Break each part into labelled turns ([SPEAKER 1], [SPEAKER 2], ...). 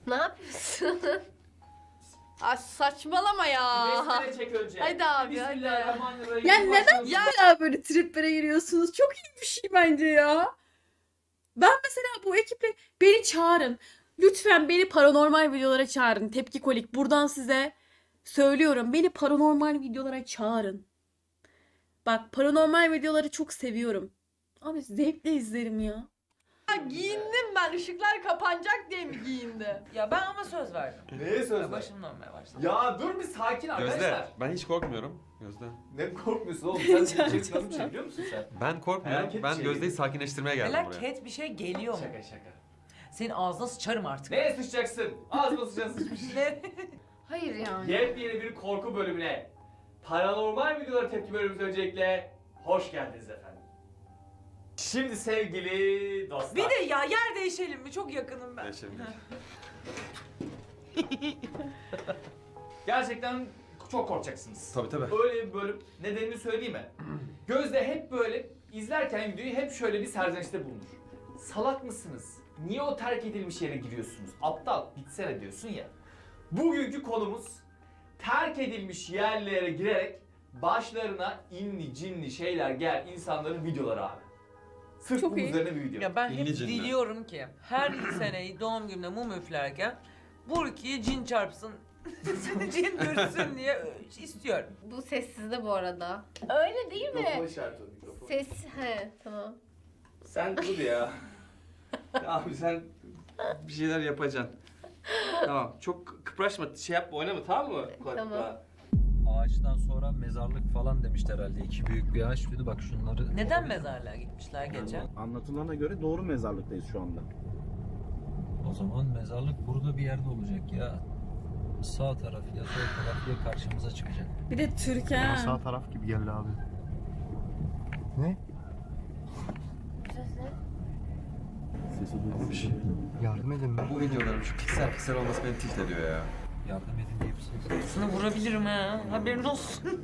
[SPEAKER 1] Ne yapıyorsun? Ay saçmalama ya.
[SPEAKER 2] Besmele çek önce.
[SPEAKER 1] Hadi abi, hadi.
[SPEAKER 2] Bismillahirrahmanirrahim.
[SPEAKER 3] Ya neden
[SPEAKER 2] Başlıyorsun.
[SPEAKER 3] ya böyle triplere giriyorsunuz? Çok iyi bir şey bence ya. Ben mesela bu ekiple beni çağırın. Lütfen beni paranormal videolara çağırın. Tepki Kolik. Buradan size söylüyorum. Beni paranormal videolara çağırın. Bak paranormal videoları çok seviyorum. Abi zevkle izlerim ya.
[SPEAKER 1] Giyindim ben. Işıklar kapanacak diye mi giyindi?
[SPEAKER 4] Ya ben ama söz verdim.
[SPEAKER 2] Neye söz ver?
[SPEAKER 4] Başım dönmeye başladı.
[SPEAKER 2] Ya dur bir sakin arkadaşlar.
[SPEAKER 5] Gözde, ben hiç korkmuyorum. Gözde.
[SPEAKER 2] Ne korkmuyorsun oğlum? Sen çekeceksin nasıl bir şey biliyor musun sen?
[SPEAKER 5] Ben korkmuyorum.
[SPEAKER 2] Felaket
[SPEAKER 5] Ben
[SPEAKER 2] şey.
[SPEAKER 5] Gözde'yi sakinleştirmeye geldim buraya.
[SPEAKER 4] Felaket bir şey geliyor mu?
[SPEAKER 2] Şaka şaka.
[SPEAKER 4] Senin ağzına sıçarım artık.
[SPEAKER 2] Neye sıçacaksın? Ağzıma sıçacaksın sıçmış.
[SPEAKER 4] Ne?
[SPEAKER 1] Hayır yani.
[SPEAKER 2] Yepyeni bir korku bölümüne, paranormal videolara tepki bölümümüze öncelikle hoş geldiniz efendim. Şimdi sevgili dostlar.
[SPEAKER 4] Bir de ya yer değişelim mi? Çok yakınım ben.
[SPEAKER 5] Yaşarım.
[SPEAKER 2] Gerçekten çok korkacaksınız.
[SPEAKER 5] Tabii tabii.
[SPEAKER 2] Öyle bir bölüm. Nedenini söyleyeyim mi? Gözde hep böyle izlerken videoyu hep şöyle bir serzenişte bulunur. Salak mısınız? Niye o terk edilmiş yere giriyorsunuz? Aptal, gitsene diyorsun ya. Bugünkü konumuz terk edilmiş yerlere girerek başlarına inni cinli şeyler gel insanların videoları abi. Sırf
[SPEAKER 3] Çok
[SPEAKER 2] bunun
[SPEAKER 4] iyi.
[SPEAKER 2] üzerine bir video.
[SPEAKER 4] Ya ben hep
[SPEAKER 5] İlgi cinler.
[SPEAKER 4] diliyorum ki her sene doğum günümde mum üflerken Burki'ye cin çarpsın, cin görsün diye istiyorum.
[SPEAKER 1] Bu sessizde bu arada. Öyle değil mi?
[SPEAKER 2] Mikrofon işareti o mikrofon.
[SPEAKER 1] Ses he tamam.
[SPEAKER 6] Sen dur ya. Abi sen bir şeyler yapacaksın. Tamam. Çok kıpraşma, şey yapma, oynama tamam mı?
[SPEAKER 1] Tamam.
[SPEAKER 7] Ağaçtan sonra mezarlık falan demişler herhalde. İki büyük bir ağaç dedi bak şunları.
[SPEAKER 4] Neden mezarlığa gitmişler geçen?
[SPEAKER 8] Anlatılana göre doğru mezarlıktayız şu anda.
[SPEAKER 7] O zaman mezarlık burada bir yerde olacak ya. Sağ taraf ya sol taraf ya karşımıza çıkacak.
[SPEAKER 3] Bir de Türk ha.
[SPEAKER 8] Sağ taraf gibi geldi abi. Sesi duydum. Yardım edin mi?
[SPEAKER 5] Bu videoların şu piksel olması beni tilt ediyor ya.
[SPEAKER 7] Yardım edin diye bir ses.
[SPEAKER 4] Sana vurabilirim ha. Haberin olsun.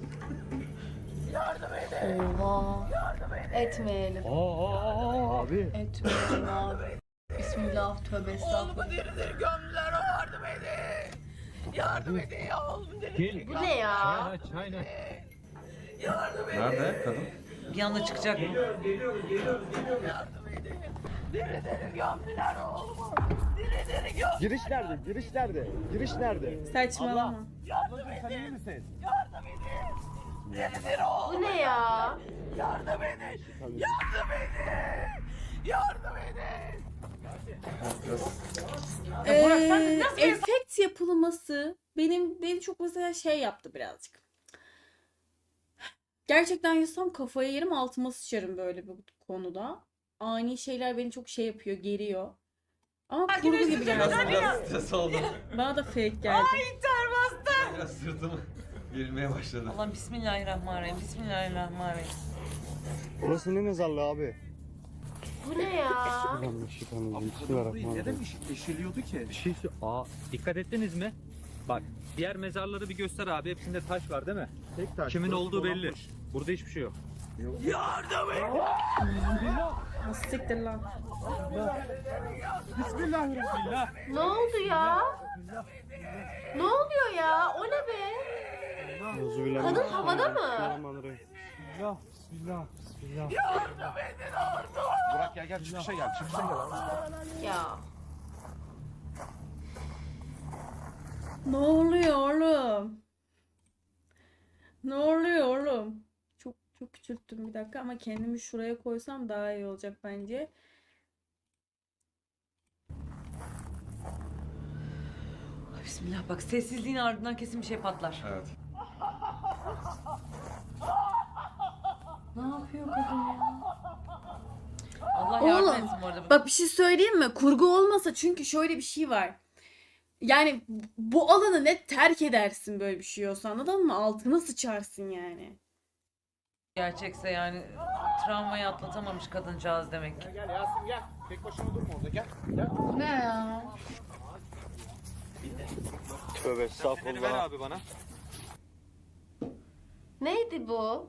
[SPEAKER 1] Oha. Etmeyelim.
[SPEAKER 8] Abi.
[SPEAKER 1] Etmeyelim abi. Bismillah tövbe estağfurullah. Bu ne ya?
[SPEAKER 5] Nerede kadın?
[SPEAKER 4] Bir anda çıkacak mı?
[SPEAKER 8] Giriş nerede? Giriş nerede? Giriş nerede?
[SPEAKER 3] Saçmalama.
[SPEAKER 8] Sen iyi misin?
[SPEAKER 1] Bu ne ya?
[SPEAKER 3] Efekt yapılması beni çok mesela şey yaptı birazcık. Gerçekten yazsam kafaya yerim altıma sıçarım böyle bir konuda. Ani şeyler beni çok şey yapıyor, geriyor. Ama kurgu gibi geldi.
[SPEAKER 5] Biraz stres oldum.
[SPEAKER 3] Bana da fake geldi.
[SPEAKER 5] Biraz sırtım gerilmeye başladı.
[SPEAKER 4] Allah bismillahirrahmanirrahim. Bismillahirrahmanirrahim.
[SPEAKER 8] Burası ne mezarlığı abi?
[SPEAKER 1] Bu ne ya?
[SPEAKER 8] Neden eşiliyordu ki?
[SPEAKER 7] Bir şey dikkat ettiniz mi? Bak diğer mezarları bir göster abi. Hepsinde taş var değil mi?
[SPEAKER 8] Tek taş.
[SPEAKER 7] Kimin
[SPEAKER 8] Burası
[SPEAKER 7] olduğu belli.
[SPEAKER 8] dolanmış.
[SPEAKER 7] Burada hiçbir şey yok.
[SPEAKER 3] Nasıl siktir lan?
[SPEAKER 8] Bismillahirrahmanirrahim.
[SPEAKER 1] Ne oldu ya? Ne oluyor ya? O ne be? Kadın havada mı?
[SPEAKER 8] Bismillah, bismillah, bismillah. Burak gel çıkışa gel, çıkışa gel.
[SPEAKER 1] Ya.
[SPEAKER 3] Ne oluyor oğlum? Ne oluyor oğlum? Çok küçülttüm bir dakika ama kendimi şuraya koysam daha iyi olacak bence.
[SPEAKER 4] Bismillah bak sessizliğin ardından kesin bir şey patlar.
[SPEAKER 5] Evet.
[SPEAKER 4] Ne yapıyor kadın ya? Allah yardım
[SPEAKER 3] Oğlum,
[SPEAKER 4] etsin bu arada.
[SPEAKER 3] Bak bir şey söyleyeyim mi? Kurgu olmasa çünkü şöyle bir şey var. Yani bu alanı net terk edersin böyle bir şey olsa anladın mı? Altına sıçarsın yani.
[SPEAKER 4] Gerçekse yani travmayı atlatamamış kadıncağız demek ki.
[SPEAKER 8] Gel Yasin gel. Tek başına durma orada gel.
[SPEAKER 1] Bu ne ya?
[SPEAKER 8] Tövbe
[SPEAKER 7] Ver
[SPEAKER 8] estağfurullah.
[SPEAKER 7] abi bana.
[SPEAKER 1] Neydi bu?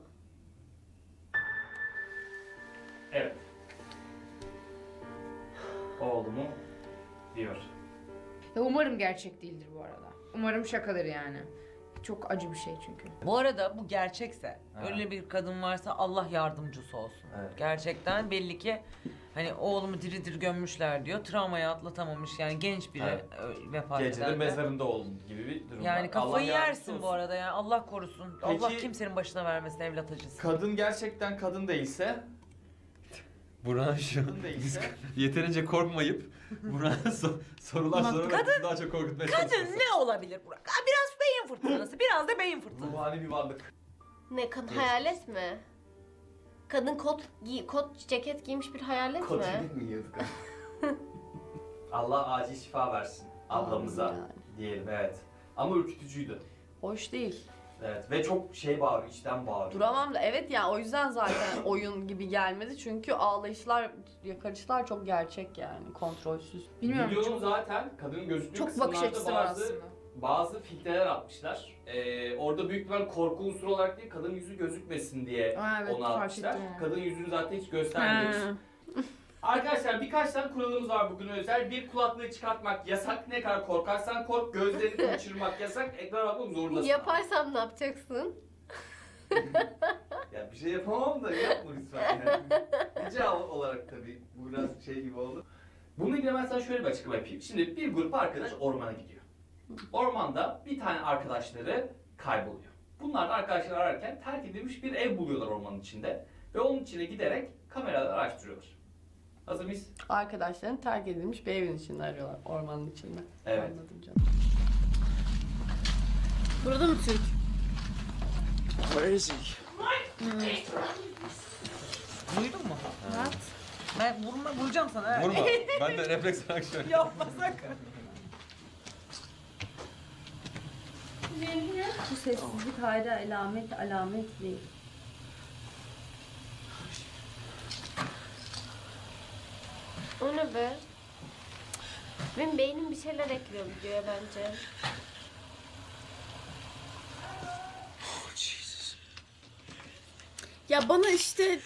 [SPEAKER 2] Evet. Oldu mu? Diyor.
[SPEAKER 9] Ya umarım gerçek değildir bu arada. Umarım şakadır yani. Çok acı bir şey çünkü.
[SPEAKER 4] Bu arada bu gerçekse,
[SPEAKER 2] Ha.
[SPEAKER 4] öyle bir kadın varsa Allah yardımcısı olsun.
[SPEAKER 2] Evet.
[SPEAKER 4] Gerçekten belli ki hani oğlumu diri diri gömmüşler diyor. Travmayı atlatamamış yani genç biri
[SPEAKER 2] Evet.
[SPEAKER 4] vefat
[SPEAKER 2] Gecede
[SPEAKER 4] eden.
[SPEAKER 2] mezarında oldum gibi bir durum var.
[SPEAKER 4] Yani kafayı
[SPEAKER 2] Allah yardımcısı
[SPEAKER 4] yersin bu
[SPEAKER 2] olsun.
[SPEAKER 4] arada yani Allah korusun.
[SPEAKER 2] Peki-
[SPEAKER 4] Allah kimsenin başına vermesin evlat acısı.
[SPEAKER 2] Kadın gerçekten kadın değilse,
[SPEAKER 5] Burak'ın şu
[SPEAKER 2] kadın değilse
[SPEAKER 5] yeterince korkmayıp Burak'a sorular sorarak bizi daha çok korkutmaya
[SPEAKER 4] Kadın
[SPEAKER 5] çalışıyorsun.
[SPEAKER 4] ne olabilir Burak? Ha, biraz beyin fırtınası, biraz da beyin fırtınası.
[SPEAKER 2] ruhani bir varlık.
[SPEAKER 1] Ne kadın hayalet mi? Kadın kot ceket giymiş bir hayalet mi?
[SPEAKER 2] Kotelek mi yiyorduk? Allah acil şifa versin ablamıza
[SPEAKER 3] Amin yani.
[SPEAKER 2] diyelim, evet. Ama ürkütücüydü.
[SPEAKER 3] Hoş değil.
[SPEAKER 2] Evet ve çok şey bağırıyor, içten bağırıyor.
[SPEAKER 3] Duramam da evet ya o yüzden zaten oyun gibi gelmedi. Çünkü ağlayışlar, yakarışlar çok gerçek yani kontrolsüz.
[SPEAKER 9] Bilmiyorum.
[SPEAKER 2] Videonun
[SPEAKER 9] Çok,
[SPEAKER 2] zaten kadının gözüktüğü
[SPEAKER 9] çok bakış
[SPEAKER 2] kısımlarda
[SPEAKER 9] açısı var aslında.
[SPEAKER 2] bazı filtreler atmışlar. Orada büyük ihtimal korku unsuru olarak değil, kadın yüzü gözükmesin diye
[SPEAKER 9] Aa, evet,
[SPEAKER 2] onu
[SPEAKER 9] fark
[SPEAKER 2] atmışlar.
[SPEAKER 9] ettim onu.
[SPEAKER 2] Kadın yüzünü zaten hiç göstermiyoruz. Arkadaşlar birkaç tane kuralımız var bugün özel. Bir, kulaklığı çıkartmak yasak. Ne kadar korkarsan kork. Gözlerini kaçırmak yasak. Ekrana bakmak zorundasın.
[SPEAKER 1] Yaparsam ne yapacaksın?
[SPEAKER 2] Ya bir şey yapamam da yapma lütfen. Yani. Rica olarak tabii. Bu biraz şey gibi oldu. Bununla ilgili ben sana şöyle bir açıklama yapayım. Şimdi bir grup arkadaş ormana gidiyor. Ormanda bir tane arkadaşları kayboluyor. Bunlar da arkadaşları ararken terk edilmiş bir ev buluyorlar ormanın içinde. Ve onun içine giderek kameralar araştırıyorlar. Hazır mıyız?
[SPEAKER 3] Arkadaşların terk edilmiş bir evin içinde arıyorlar. Ormanın içinde.
[SPEAKER 2] Evet.
[SPEAKER 3] Anladım canım. Burada mı Türk?
[SPEAKER 8] Where is he?
[SPEAKER 4] Duydun mu? Evet. Ben vuracağım sana.
[SPEAKER 5] Vurma. Ben de refleks olarak şöyle.
[SPEAKER 4] Yapma sakın.
[SPEAKER 3] Bu sessizlik hayra alamet değil.
[SPEAKER 1] O ne be? Benim beynim bir şeyler ekliyor videoya bence.
[SPEAKER 3] Ya bana işte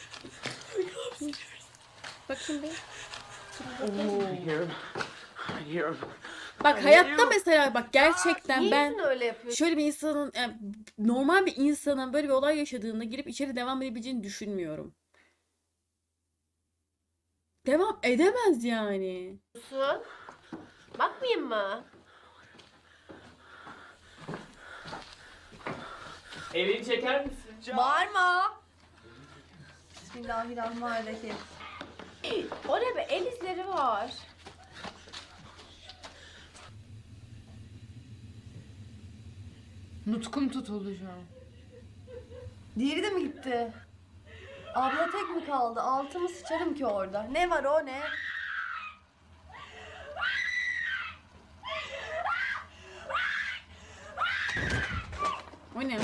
[SPEAKER 1] Bakayım bir.
[SPEAKER 8] I hear him. I hear him.
[SPEAKER 3] bak hayatta mesela bak gerçekten
[SPEAKER 1] Niye
[SPEAKER 3] ben
[SPEAKER 1] yüzün öyle yapıyor?
[SPEAKER 3] şöyle bir insanın yani normal bir insanın böyle bir olay yaşadığında girip içeri devam edebileceğini düşünmüyorum. Devam edemez yani.
[SPEAKER 1] Su. Bakmayayım mı?
[SPEAKER 2] Elini çeker misin?
[SPEAKER 3] Bağırma. Bismillahirrahmanirrahim.
[SPEAKER 1] O ne be? El izleri var.
[SPEAKER 9] Nutkum tutuldu şu an.
[SPEAKER 3] Diğeri de mi gitti? Abla tek mi kaldı? Altımı sıçarım ki orada. Ne var o ne? O ne?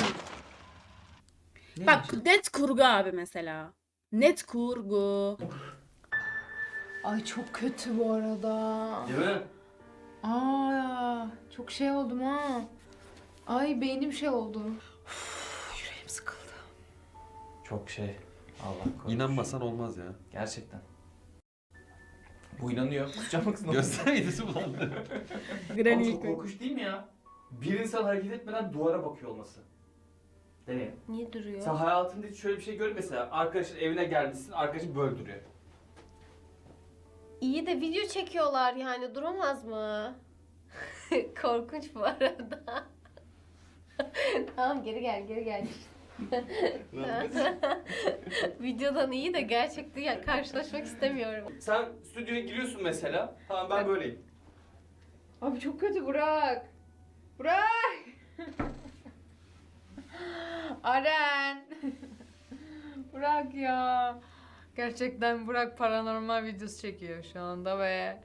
[SPEAKER 3] Bak net kurgu abi mesela. Net kurgu.
[SPEAKER 9] Ay çok kötü bu arada.
[SPEAKER 2] Değil mi?
[SPEAKER 9] Aa, çok şey oldum ha. Ay beynim şey oldu.
[SPEAKER 4] Yüreğim sıkıldı.
[SPEAKER 2] Çok şey. Allah korusun.
[SPEAKER 5] İnanmasan olmaz ya.
[SPEAKER 2] Gerçekten. Bu inanıyor. Kusacak mısın?
[SPEAKER 5] Göster midesi bulandı.
[SPEAKER 2] Ama çok korkunç değil mi ya? Bir insan hareket etmeden duvara bakıyor olması. Deneyelim.
[SPEAKER 1] Niye duruyor?
[SPEAKER 2] Sen hayatında hiç şöyle bir şey gör mesela. Arkadaşın evine gelmişsin, arkadaşın böyle duruyor.
[SPEAKER 1] İyi de video çekiyorlar yani duramaz mı? Korkunç bu arada. Tamam geri gel. Videodan iyi de gerçekten karşılaşmak istemiyorum.
[SPEAKER 2] Sen stüdyoya giriyorsun mesela. Tamam ben böyleyim.
[SPEAKER 9] Abi çok kötü Burak. Burak! Aren! Burak ya. Gerçekten Burak paranormal videosu çekiyor şu anda ve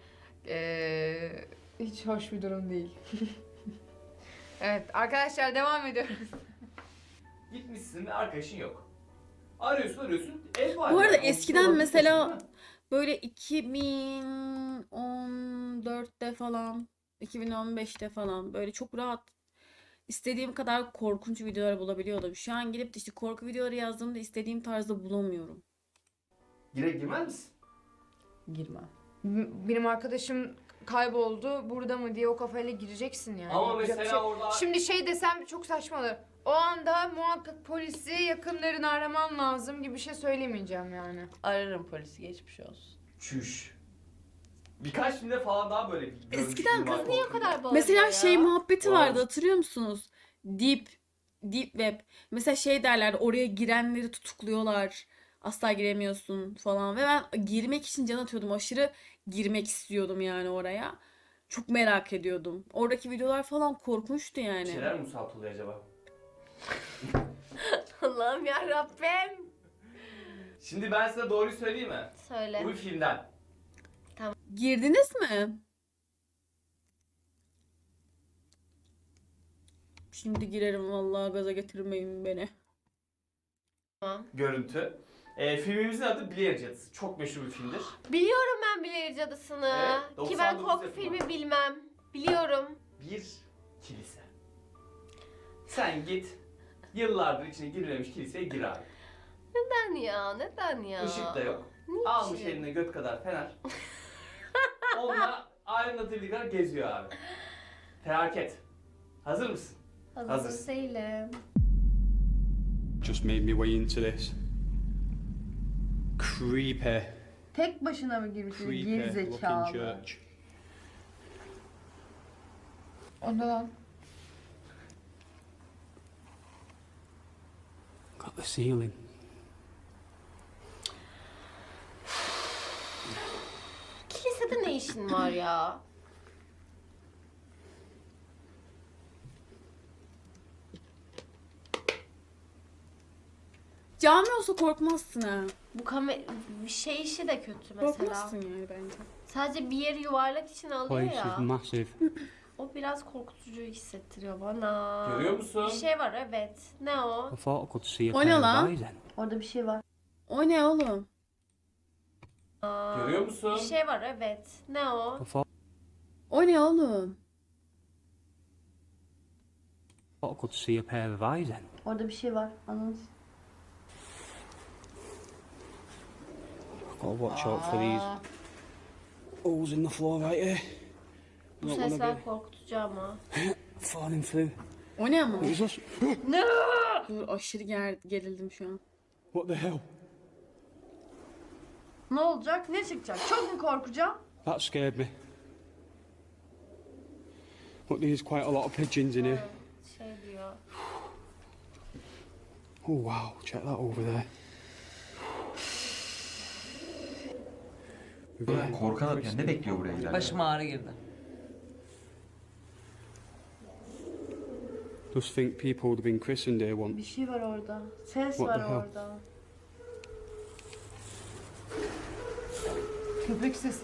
[SPEAKER 9] hiç hoş bir durum değil. Evet arkadaşlar devam ediyoruz.
[SPEAKER 2] Gitmişsin ve arkadaşın yok. Arıyorsun. Ev var.
[SPEAKER 3] Bu arada
[SPEAKER 2] yani.
[SPEAKER 3] eskiden
[SPEAKER 2] Olabilir,
[SPEAKER 3] mesela
[SPEAKER 2] değil mi?
[SPEAKER 3] böyle 2014'te falan, 2015'te falan böyle çok rahat istediğim kadar korkunç videolar bulabiliyordum. Şu an gidip de işte korku videoları yazdığımda istediğim tarzda bulamıyorum.
[SPEAKER 2] Girmez misin?
[SPEAKER 3] Girmem.
[SPEAKER 9] Benim arkadaşım kayboldu. Burada mı diye o kafayla gireceksin yani.
[SPEAKER 2] Ama
[SPEAKER 9] Yapacak
[SPEAKER 2] mesela
[SPEAKER 9] bir şey-
[SPEAKER 2] orada...
[SPEAKER 9] Şimdi şey desem çok saçma olur. O anda muhakkak polisi yakınlarını araman lazım gibi bir şey söylemeyeceğim yani.
[SPEAKER 4] Ararım polisi, geçmiş olsun.
[SPEAKER 2] Çüş. Birkaç filmde falan daha böyle bir
[SPEAKER 3] Eskiden
[SPEAKER 2] görmüşlüğüm var.
[SPEAKER 1] Kız niye o kadar bağırıyor
[SPEAKER 3] Mesela
[SPEAKER 1] ya?
[SPEAKER 3] şey muhabbeti vardı,
[SPEAKER 2] Var.
[SPEAKER 3] hatırlıyor musunuz? Deep Web. Mesela şey derler, oraya girenleri tutukluyorlar. Asla giremiyorsun falan. Ve ben girmek için can atıyordum. Aşırı girmek istiyordum yani oraya. Çok merak ediyordum. Oradaki videolar falan korkunçtu
[SPEAKER 2] Bir
[SPEAKER 3] yani.
[SPEAKER 2] şeyler mi musallat oluyor acaba?
[SPEAKER 1] Allah'ım ya Rabbim.
[SPEAKER 2] Şimdi ben size doğruyu söyleyeyim mi?
[SPEAKER 1] Söyle.
[SPEAKER 2] Bu bir filmden.
[SPEAKER 3] Girdiniz mi? Şimdi girerim vallahi, gaza getirmeyin beni.
[SPEAKER 1] Tamam.
[SPEAKER 2] Görüntü. Filmimizin adı Blair Cadısı. Çok meşhur bir filmdir.
[SPEAKER 1] Biliyorum ben Blair Cadısı'nı.
[SPEAKER 2] Evet,
[SPEAKER 1] Ki ben
[SPEAKER 2] 99
[SPEAKER 1] korku
[SPEAKER 2] yapımı.
[SPEAKER 1] filmi bilmem. Biliyorum.
[SPEAKER 2] Bir kilise. Sen git yıllardır içine girilmemiş kiliseye gir abi.
[SPEAKER 1] Neden ya? Neden ya?
[SPEAKER 2] Işık da yok.
[SPEAKER 1] Niçin?
[SPEAKER 2] Almış eline göt kadar fener. Onunla aydınlatıcı kadar geziyor abi. Felaket. Hazır mısın?
[SPEAKER 1] Hazır değilim.
[SPEAKER 8] Just made me way into this. Creepy.
[SPEAKER 9] Tek başına mı girmiş?
[SPEAKER 8] Creepy looking church.
[SPEAKER 9] Onda lan.
[SPEAKER 8] Got the ceiling.
[SPEAKER 1] Kilisede ne işin var ya?
[SPEAKER 3] Cami olsa korkmazsın ha.
[SPEAKER 1] Bu şey işi de kötü mesela.
[SPEAKER 3] Korkmazsın yani bence.
[SPEAKER 1] Sadece bir yeri yuvarlak için alıyor
[SPEAKER 8] Place is
[SPEAKER 1] ya.
[SPEAKER 8] massive.
[SPEAKER 1] O biraz korkutucu hissettiriyor bana.
[SPEAKER 2] Görüyor musun?
[SPEAKER 1] Bir şey var evet. Ne o?
[SPEAKER 8] I thought I could see a
[SPEAKER 3] O ne
[SPEAKER 8] pair of
[SPEAKER 3] lan?
[SPEAKER 8] eyes then.
[SPEAKER 1] Orada bir şey var.
[SPEAKER 3] O ne oğlum?
[SPEAKER 1] Aa,
[SPEAKER 2] Görüyor musun?
[SPEAKER 1] Bir şey var evet. Ne o?
[SPEAKER 8] I thought
[SPEAKER 3] O ne oğlum?
[SPEAKER 8] I could see a pair of eyes then.
[SPEAKER 1] Orada bir şey var. Anladın.
[SPEAKER 8] Gotta watch out for these holes in the floor right here.
[SPEAKER 1] Bu
[SPEAKER 8] Not wanna
[SPEAKER 1] sesler
[SPEAKER 8] be
[SPEAKER 1] korkutucu ama.
[SPEAKER 8] falling through.
[SPEAKER 3] O ne ama?
[SPEAKER 8] What is this?
[SPEAKER 3] Dur, aşırı gerildim şu an.
[SPEAKER 8] What the hell?
[SPEAKER 9] Ne olacak? Ne çıkacak? Çok mu korkacağım?
[SPEAKER 8] That scared me. Look, there's quite a lot of pigeons in here.
[SPEAKER 1] Şey diyor.
[SPEAKER 8] Oh wow, check that over there.
[SPEAKER 5] Korkan adam yani ne bekliyor buraya giderken?
[SPEAKER 4] Başıma ağrı girdi.
[SPEAKER 8] Just think people would have been christened here once.
[SPEAKER 1] Bir şey var orada. Ses
[SPEAKER 8] What
[SPEAKER 1] var
[SPEAKER 8] the hell?
[SPEAKER 1] orada.
[SPEAKER 9] Köpek sesi.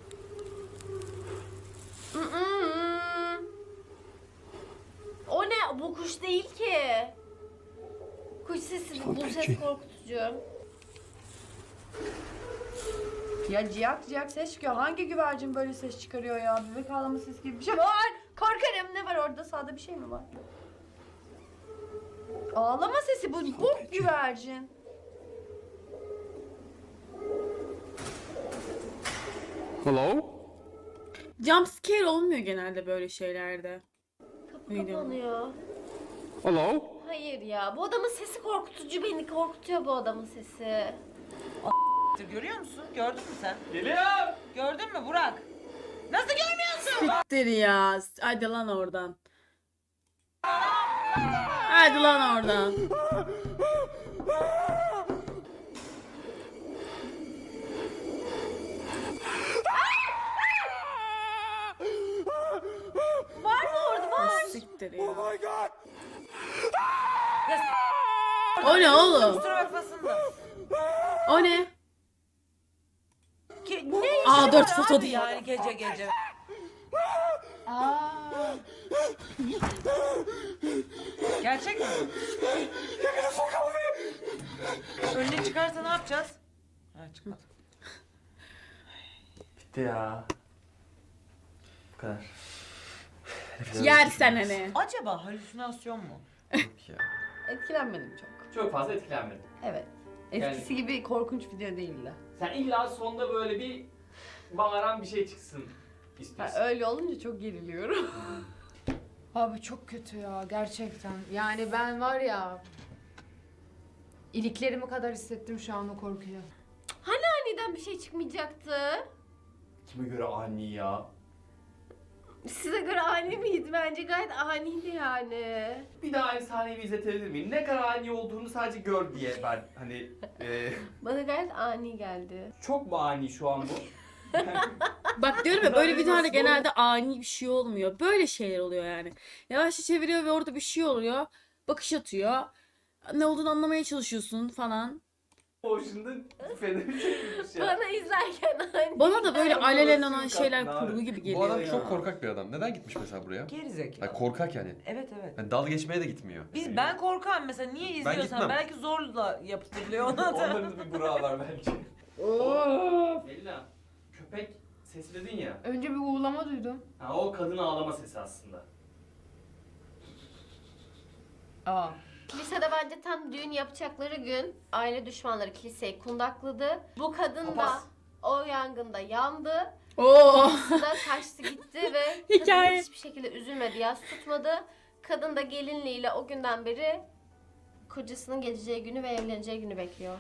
[SPEAKER 1] O ne? Bu kuş değil ki. Kuş sesi. Bu ses korkutucu.
[SPEAKER 9] Ya ciyak ciyak ses çıkıyor. Hangi güvercin böyle ses çıkarıyor ya? Bebek ağlama sesi gibi bir şey var.
[SPEAKER 1] Korkarım. Ne var orada? Sağda bir şey mi var?
[SPEAKER 9] Ağlama sesi bu. Bu güvercin.
[SPEAKER 8] Hello?
[SPEAKER 3] Jump scare olmuyor genelde böyle şeylerde.
[SPEAKER 1] Kapı
[SPEAKER 3] Neydi o?
[SPEAKER 1] kapanıyor.
[SPEAKER 8] Hello?
[SPEAKER 1] Hayır ya. Bu adamın sesi korkutucu. Beni korkutuyor bu adamın sesi.
[SPEAKER 4] Görüyor musun? Gördün mü sen?
[SPEAKER 2] Geliyor.
[SPEAKER 4] Gördün mü Burak? Nasıl görmüyorsun?
[SPEAKER 3] Siktir ya. Hadi lan oradan. Hadi lan oradan.
[SPEAKER 1] Var mı orada? Var.
[SPEAKER 3] Siktir ya.
[SPEAKER 4] Ya
[SPEAKER 3] O ne oğlum?
[SPEAKER 4] kusura bakmasın da.
[SPEAKER 3] O ne?
[SPEAKER 4] Ne işi
[SPEAKER 3] Aa,
[SPEAKER 4] var
[SPEAKER 3] 4
[SPEAKER 4] abi
[SPEAKER 3] foto değil.
[SPEAKER 4] yani gece gece. Gerçek mi? Önüne çıkarsa ne yapacağız? Ha çıkmadı.
[SPEAKER 2] Bitti ya. Bu kadar.
[SPEAKER 3] Yersen hani.
[SPEAKER 4] Acaba halüsinasyon mu?
[SPEAKER 5] Yok ya.
[SPEAKER 9] Etkilenmedim çok.
[SPEAKER 2] Çok fazla etkilenmedim.
[SPEAKER 9] Evet.
[SPEAKER 2] Yani-
[SPEAKER 9] Eskisi gibi korkunç video değildi.
[SPEAKER 2] Sen illa sonda böyle bir bağıran bir şey çıksın
[SPEAKER 1] Ben
[SPEAKER 2] istiyorsun.
[SPEAKER 1] öyle olunca çok geriliyorum.
[SPEAKER 9] Abi çok kötü ya gerçekten. Yani ben var ya iliklerimi kadar hissettim şu an o korkuyu.
[SPEAKER 1] Aniden bir şey çıkmayacaktı.
[SPEAKER 2] Kime göre ani ya?
[SPEAKER 1] Size göre ani miydi? Bence gayet aniydi yani.
[SPEAKER 2] Bir daha aynı sahneyi bir izletebilir miyim? Ne kadar ani olduğunu sadece gör diye ben hani
[SPEAKER 1] Bana gayet ani geldi.
[SPEAKER 2] çok mu ani şu an bu?
[SPEAKER 3] Bak diyorum ya böyle videolarda
[SPEAKER 2] Nasıl
[SPEAKER 3] genelde ani bir şey olmuyor. Böyle şeyler oluyor yani. Yavaşça çeviriyor ve orada bir şey oluyor. Bakış atıyor. Ne olduğunu anlamaya çalışıyorsun falan.
[SPEAKER 2] Hoşunda fena bir çekmiş ya.
[SPEAKER 1] Bana izlerken ani.
[SPEAKER 3] Bana da böyle
[SPEAKER 2] Ama
[SPEAKER 3] alelenen
[SPEAKER 2] nasıl
[SPEAKER 3] olan
[SPEAKER 2] yok
[SPEAKER 3] şeyler
[SPEAKER 2] abi?
[SPEAKER 3] kurgu gibi
[SPEAKER 5] Bu
[SPEAKER 3] geliyor
[SPEAKER 5] adam
[SPEAKER 3] ya.
[SPEAKER 5] çok korkak bir adam. Neden gitmiş mesela buraya?
[SPEAKER 4] Gerizekalı.
[SPEAKER 5] Yani korkak yani.
[SPEAKER 4] Evet evet.
[SPEAKER 5] Yani dal geçmeye de gitmiyor.
[SPEAKER 4] Ben korkam mesela niye izliyorsan
[SPEAKER 5] gitmem.
[SPEAKER 4] belki zorla yaptırılıyor ona da.
[SPEAKER 2] Onların da bir burağı var bence. Melina, köpek sesi dedin ya.
[SPEAKER 9] Önce bir uğulama duydum.
[SPEAKER 2] Ha, o kadın ağlama sesi aslında.
[SPEAKER 9] Aa.
[SPEAKER 1] Kilisede bence tam düğün yapacakları gün aile düşmanları kiliseyi kundakladı. Bu kadın da
[SPEAKER 2] Papaz.
[SPEAKER 1] o yangında yandı.
[SPEAKER 3] Oo.
[SPEAKER 1] Kız da kaçtı gitti ve
[SPEAKER 3] Hikaye.
[SPEAKER 1] kadın hiçbir şekilde üzülmedi, yas tutmadı. Kadın da gelinliğiyle o günden beri kocasının geleceği günü ve evleneceği günü bekliyor.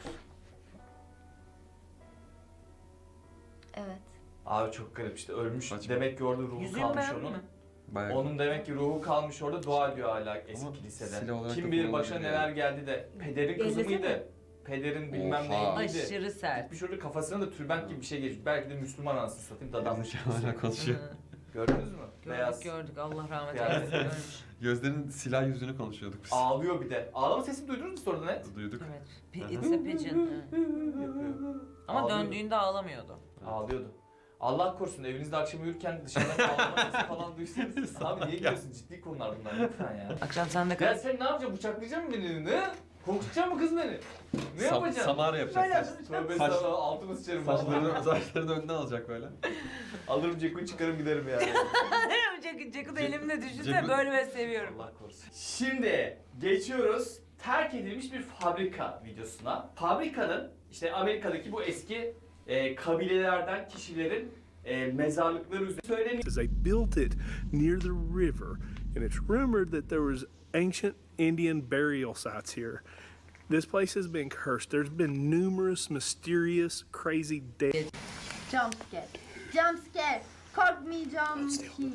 [SPEAKER 1] Evet.
[SPEAKER 2] Abi çok garip işte ölmüş.
[SPEAKER 5] Saçma.
[SPEAKER 2] Demek ki orada ruhu
[SPEAKER 4] Yüzüğü
[SPEAKER 2] kalmış
[SPEAKER 4] beğendin
[SPEAKER 2] onun.
[SPEAKER 4] mi?
[SPEAKER 5] Bayağı.
[SPEAKER 2] Onun demek ki ruhu kalmış orada dua ediyor hala eski
[SPEAKER 5] Ama
[SPEAKER 2] kilisede.
[SPEAKER 5] silah olarak da
[SPEAKER 2] Kim bilir başına
[SPEAKER 5] kullanılabilir
[SPEAKER 2] neler
[SPEAKER 5] yani.
[SPEAKER 2] geldi de. Pederin kızı
[SPEAKER 4] Ellesene.
[SPEAKER 2] mıydı? Pederin bilmem
[SPEAKER 5] Oha.
[SPEAKER 2] neyiydi.
[SPEAKER 4] Aşırı sert.
[SPEAKER 2] Gitmiş orada kafasına da tülbent gibi bir şey geçmiş. Belki de Müslüman anasını satayım dadanmış.
[SPEAKER 5] Hala konuşuyor.
[SPEAKER 4] Hı.
[SPEAKER 2] Gördünüz mü?
[SPEAKER 4] Gördük gördük Allah rahmet
[SPEAKER 2] Beyaz.
[SPEAKER 4] eylesin ölmüş.
[SPEAKER 5] Gözlerinin silah yüzünü konuşuyorduk biz.
[SPEAKER 2] Ağlıyor bir de. Ağlama sesini duydunuz mu sonra net?
[SPEAKER 5] Duyduk.
[SPEAKER 4] Evet. It's a pigeon. Hı.
[SPEAKER 2] Yapıyor.
[SPEAKER 4] Ama
[SPEAKER 2] Ağlıyor.
[SPEAKER 4] döndüğünde ağlamıyordu.
[SPEAKER 2] Ağlıyordu. Allah korusun evinizde akşam uyurken dışarıdan ağlama sesi falan duysanız. Abi niye gülüyorsun? Ciddi konular bunlar lütfen ya.
[SPEAKER 4] Akşam sen de
[SPEAKER 2] Ya
[SPEAKER 4] kal.
[SPEAKER 2] sen ne yapacaksın? Bıçaklayacaksın mı beni? Ne? Korkutacak mı kız beni? Ne yapacaksın?
[SPEAKER 5] Samara yapacak.
[SPEAKER 2] Tövbe
[SPEAKER 5] Saç-
[SPEAKER 2] sana altımı sıçarım vallahi.
[SPEAKER 5] Saçlarını önüne alacak böyle.
[SPEAKER 2] Alırım Ceku'yu çıkarım giderim yani.
[SPEAKER 4] Ceku da elimde düşünsene
[SPEAKER 5] Ceku-
[SPEAKER 4] böyle ben seviyorum.
[SPEAKER 2] Allah korusun. Şimdi geçiyoruz terk edilmiş bir fabrika videosuna. Fabrikanın işte Amerika'daki bu eski kabilelerden kişilerin mezarlıkları üzerine söyleniyor.
[SPEAKER 10] They built it near the river, and it's rumored that there was ancient Indian burial sites here. This place has been cursed. There's been numerous mysterious, crazy deaths.
[SPEAKER 1] Jump scare. Jump scare. Korkmayacağım ki.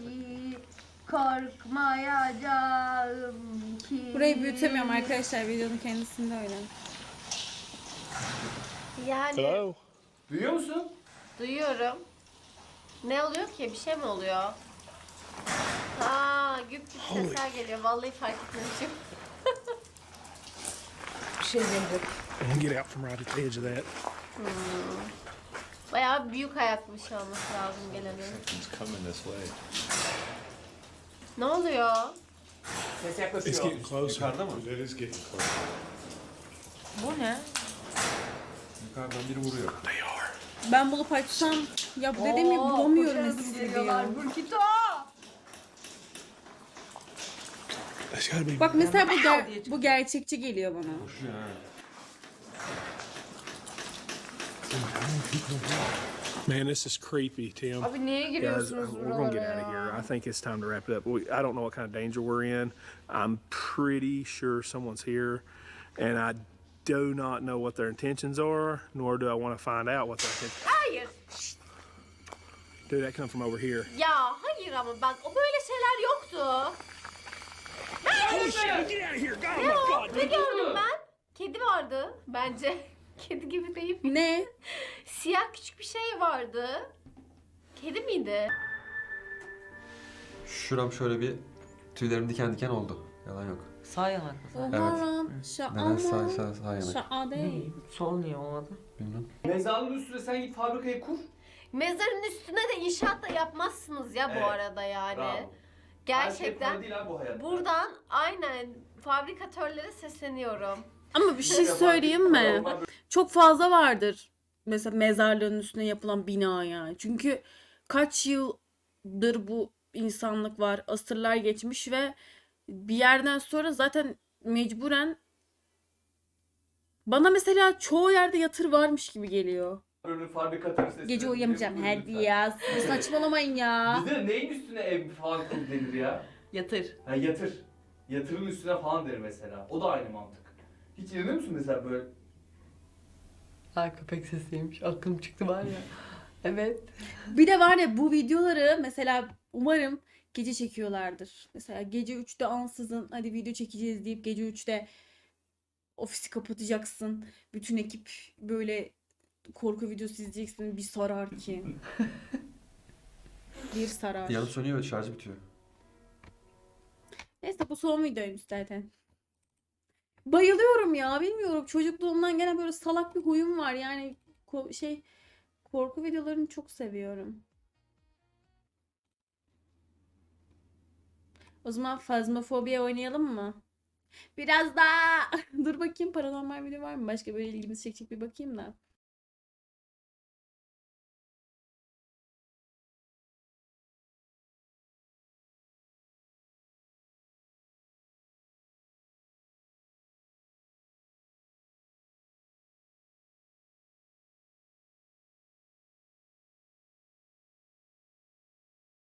[SPEAKER 1] Korkmayacağım ki.
[SPEAKER 3] Burayı büyütemiyorum arkadaşlar. Videonun kendisinde öyle.
[SPEAKER 1] Yani
[SPEAKER 10] Hello?
[SPEAKER 2] Duyuyor musun?
[SPEAKER 1] duyuyorum. Ne oluyor ki? Bir şey mi oluyor? Aa, güp güp sesler geliyor. Vallahi fark etmemişim.
[SPEAKER 9] Bir şey gelecek.
[SPEAKER 10] I'm gonna get out from right at the edge of that.
[SPEAKER 1] Bayağı büyük ayaklı bir şey olması lazım gelenin.
[SPEAKER 7] It's coming this way.
[SPEAKER 1] Ne oluyor?
[SPEAKER 2] Ses
[SPEAKER 10] It's
[SPEAKER 2] yaklaşıyor.
[SPEAKER 10] getting closer.
[SPEAKER 5] Yukarıda mı?
[SPEAKER 10] It is getting closer.
[SPEAKER 4] Bu ne?
[SPEAKER 5] Yukarıdan biri vuruyor.
[SPEAKER 10] They are.
[SPEAKER 3] Ben bulup açsam ya dediğim gibi bulamıyorum eskisi gibi ya.
[SPEAKER 1] Burkito!
[SPEAKER 10] There's gotta be.
[SPEAKER 3] Bak mesela
[SPEAKER 4] diye
[SPEAKER 3] bu gerçekçi geliyor bana.
[SPEAKER 5] Koşuyor ha.
[SPEAKER 10] Man, this is creepy, Tim.
[SPEAKER 9] Abi niye
[SPEAKER 10] Guys,
[SPEAKER 9] giriyorsunuz
[SPEAKER 10] we're gonna get
[SPEAKER 9] buralara
[SPEAKER 10] out of here.
[SPEAKER 9] ya?
[SPEAKER 10] I think it's time to wrap it up. I don't know what kind of danger we're in. I'm pretty sure someone's here, and I do not know what their intentions are, nor do I want to find out what their intentions.
[SPEAKER 1] Hayır.
[SPEAKER 10] Dude, that come from over here.
[SPEAKER 1] Ya hayır ama bak o böyle şeyler yoktu.
[SPEAKER 10] Holy shit! Get out of here! God,
[SPEAKER 1] Ne
[SPEAKER 10] oh my
[SPEAKER 1] o?
[SPEAKER 10] God!
[SPEAKER 1] Ne gördüm ben? Kedi vardı bence. Kedi gibi değil.
[SPEAKER 3] Ne?
[SPEAKER 1] Siyah küçük bir şey vardı. Kedi miydi?
[SPEAKER 5] Şuram şöyle bir tüylerim diken diken oldu. Yalan yok.
[SPEAKER 4] Sağ yanak mı sen?
[SPEAKER 3] Umarım
[SPEAKER 5] Neden sağ yanak?
[SPEAKER 3] şaade.
[SPEAKER 4] Sol niye olmadı?
[SPEAKER 5] Bilmem.
[SPEAKER 2] Mezarlığın üstüne sen git fabrikayı kur.
[SPEAKER 1] Mezarın üstüne de inşaat da yapmazsınız ya bu
[SPEAKER 2] Evet,
[SPEAKER 1] arada yani.
[SPEAKER 2] Bravo. Her şey
[SPEAKER 1] Gerçekten
[SPEAKER 2] kolay değil abi bu hayatta.
[SPEAKER 1] buradan aynen fabrikatörlere sesleniyorum.
[SPEAKER 3] Ama bir şey söyleyeyim mi? Çok fazla vardır. Mesela mezarlığın üstüne yapılan bina yani. Çünkü kaç yıldır bu insanlık var. Asırlar geçmiş ve bir yerden sonra zaten mecburen bana mesela çoğu yerde yatır varmış gibi geliyor.
[SPEAKER 6] Böyle fabrikatör sesi.
[SPEAKER 3] Gece uyuyamayacağım hadi ya. Saçmalamayın ya.
[SPEAKER 6] Bizde neyin üstüne ev falan kurulu denir ya?
[SPEAKER 4] Yatır.
[SPEAKER 6] Ha yatır. Yatırın üstüne falan denir mesela. O da aynı mantık. Hiç inanıyor musun mesela böyle?
[SPEAKER 4] Ha köpek sesiymiş. Aklım çıktı var ya. Evet.
[SPEAKER 3] Bir de var ya bu videoları mesela umarım gece çekiyorlardır. Mesela gece 3'te ansızın hadi video çekeceğiz deyip gece 3'te ofisi kapatacaksın. Bütün ekip böyle korku videosu izleyeceksin. Bir sarar ki. Bir sarar.
[SPEAKER 5] Yanıp sönüyor ve şarjı bitiyor.
[SPEAKER 3] Neyse bu son videoymuş zaten. Bayılıyorum ya bilmiyorum çocukluğumdan gelen böyle salak bir huyum var yani korku videolarını çok seviyorum. O zaman Phasmophobia oynayalım mı? Biraz daha dur bakayım paranormal video var mı? Başka böyle ilgimizi çekecek bir bakayım da.